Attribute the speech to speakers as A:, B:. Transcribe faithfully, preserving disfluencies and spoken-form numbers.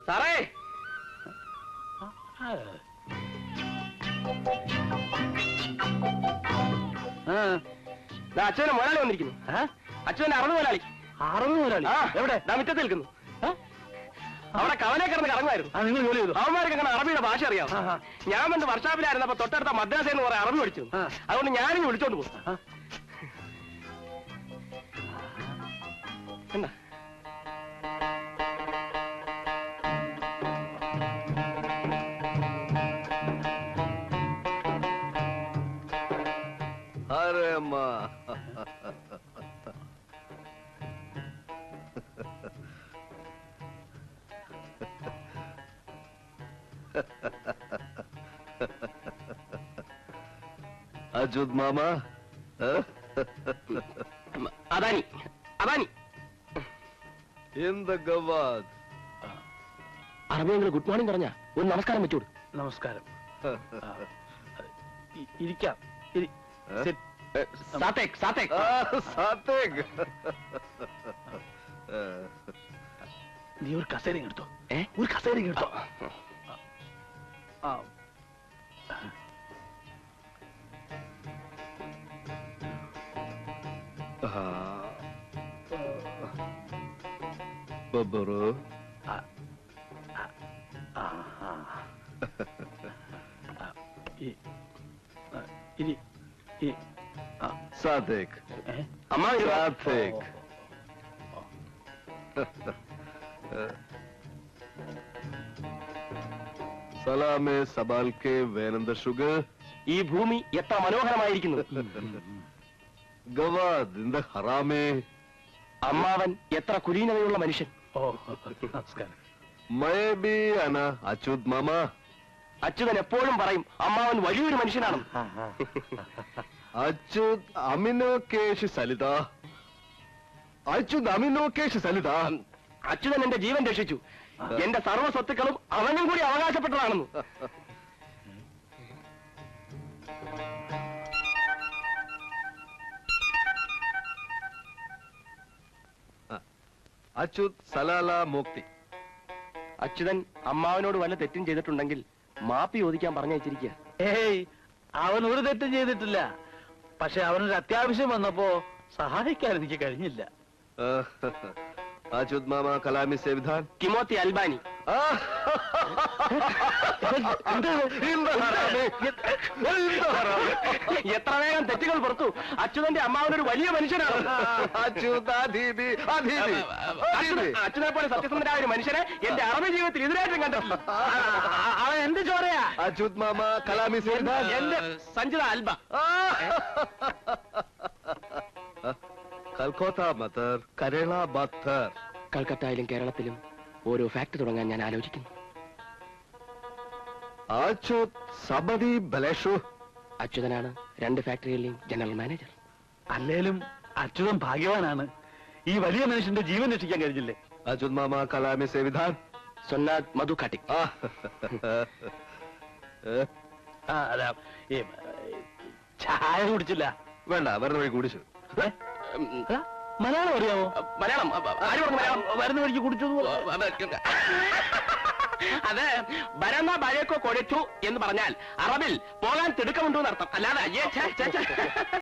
A: സാറേ അച്ഛനെ മുതലാളി വന്നിരിക്കുന്നു. അച്ഛന്റെ അറുപത് മുതലാളി. അറുപത് മുതലാളി എവിടെ? മുറ്റത്ത് നിൽക്കുന്നു. അവിടെ കവലെ കിടന്ന് കറങ്ങുമായിരുന്നു. നിങ്ങൾ ജോലി ചെയ്തു? അവന്മാർക്ക് അങ്ങനെ അറബിയുടെ ഭാഷ അറിയാം. ഞാൻ വന്ന് വർഷാപ്പിലായിരുന്നപ്പോ തൊട്ടടുത്ത മദ്രാസയിൽ നിന്ന് കുറെ അറബി പഠിച്ചു. അതുകൊണ്ട് ഞാനിനി വിളിച്ചോണ്ട് പോകും. എന്താ
B: अरे माँ अजूद मामा
A: Adani Adani
B: in the Gawad
A: അറബിയെങ്കിലും ഗുഡ് മോർണിംഗ് പറഞ്ഞ ഒരു നമസ്കാരം വെച്ചോട്.
C: നമസ്കാരം. ഇരിക്കാം.
A: സാത്തേക് സാത്തേക്
B: സാത്തേക്
C: നീ ഒരു കസേര എടുത്തോ. ഏ ഒരു കസേര എടുത്തോ.
B: ബബ്ബറു
C: ഇനി
B: സാത്തേക്
A: അമ്മ
B: സാത്തേക് സലാമെ സബാൽക്കെ വേനന്ദ ഷുഗർ.
A: ഈ ഭൂമി എത്ര മനോഹരമായിരിക്കുന്നു.
B: ഗവാദ് ഇന്ത ഹറാമേ.
A: അമ്മാവൻ എത്ര കുലീനതയുള്ള മനുഷ്യൻ.
C: ഓ നമസ്കാരം.
B: മയ ബി അന അച്യുത് മാമ.
A: അച്യുതൻ എപ്പോഴും പറയും അമ്മാവൻ വലിയൊരു മനുഷ്യനാണ്.
B: അച്യുത് അമിനോ കേശ് സലിത. അച്യുത് അമിനോ കേശ് സലിത.
A: അച്യുതൻ എന്റെ ജീവൻ രക്ഷിച്ചു. എന്റെ സർവ്വ സ്വത്തുക്കളും അവനും കൂടി അവകാശപ്പെട്ടതാണെന്ന്.
B: അച്യുത് സലാല മുക്തി.
A: അച്യുതൻ അമ്മാവനോട് വല്ല തെറ്റും ചെയ്തിട്ടുണ്ടെങ്കിൽ മാപ്പി ചോദിക്കാൻ പറഞ്ഞയച്ചിരിക്കുക.
C: ഏയ് അവൻ ഒരു തെറ്റും ചെയ്തിട്ടില്ല. പക്ഷെ അവനൊരു അത്യാവശ്യം വന്നപ്പോ സഹായിക്കാൻ എനിക്ക് കഴിഞ്ഞില്ല.
B: അച്യുത് മാമ കലാമി സേവിധാൻ
A: കിമോത്തി അൽബാനി. എത്ര വേഗം തെറ്റുകൾ പുറത്തു. അച്യുതന്റെ അമ്മാവനൊരു വലിയ മനുഷ്യനാണ്. അച്യുതനെ പോലെ സത്യസന്ധനായ ഒരു മനുഷ്യനെ എന്റെ അറബി ജീവിതത്തിൽ ഇതിനായിട്ടും കണ്ടിട്ടില്ല. അവൻ എന്ത് ചോരയാ?
B: അച്യുത് മാമ കലാമി സേവിധാൻ.
A: എന്റെ സഞ്ജിത അൽബ.
B: കൽക്കത്ത മത്തർ കരള ബത്തർ.
A: കൽക്കത്തയിലും കേരളത്തിലും ഓരോ ഫാക്ടറി തുടങ്ങാൻ ഞാൻ ആലോചിക്കുന്നു.
B: അച്യുത് സബദി ബലേഷു.
A: അച്യുതനാണ് രണ്ട് ഫാക്ടറികളിലെയും ജനറൽ മാനേജർ.
C: അല്ലേലും അച്യുതൻ ഭാഗ്യവാനാണ്. ഈ വലിയ മനുഷ്യന്റെ ജീവൻ രക്ഷിക്കാൻ കഴിഞ്ഞില്ലേ.
B: അച്യുത് മാമ കലാമി സേവിധാൻ.
A: സൊന്നാദ് മധു കാട്ടിക്.
C: അതാ ഈ ചായ കുടിച്ചില്ല.
B: വേണ്ട വരുന്ന വഴി കുടിച്ചു.
C: മലയാളം അറിയാമോ?
A: മലയാളം മലയാളം
C: വരുന്ന വഴിക്ക് കുടിച്ചു.
A: അത് ബരന്ന ബഴക്കോ കൊടിച്ചു എന്ന് പറഞ്ഞാൽ അറബിൽ പോകാൻ തിടുക്കമുണ്ടോ എന്നർത്ഥം. അല്ലാതെ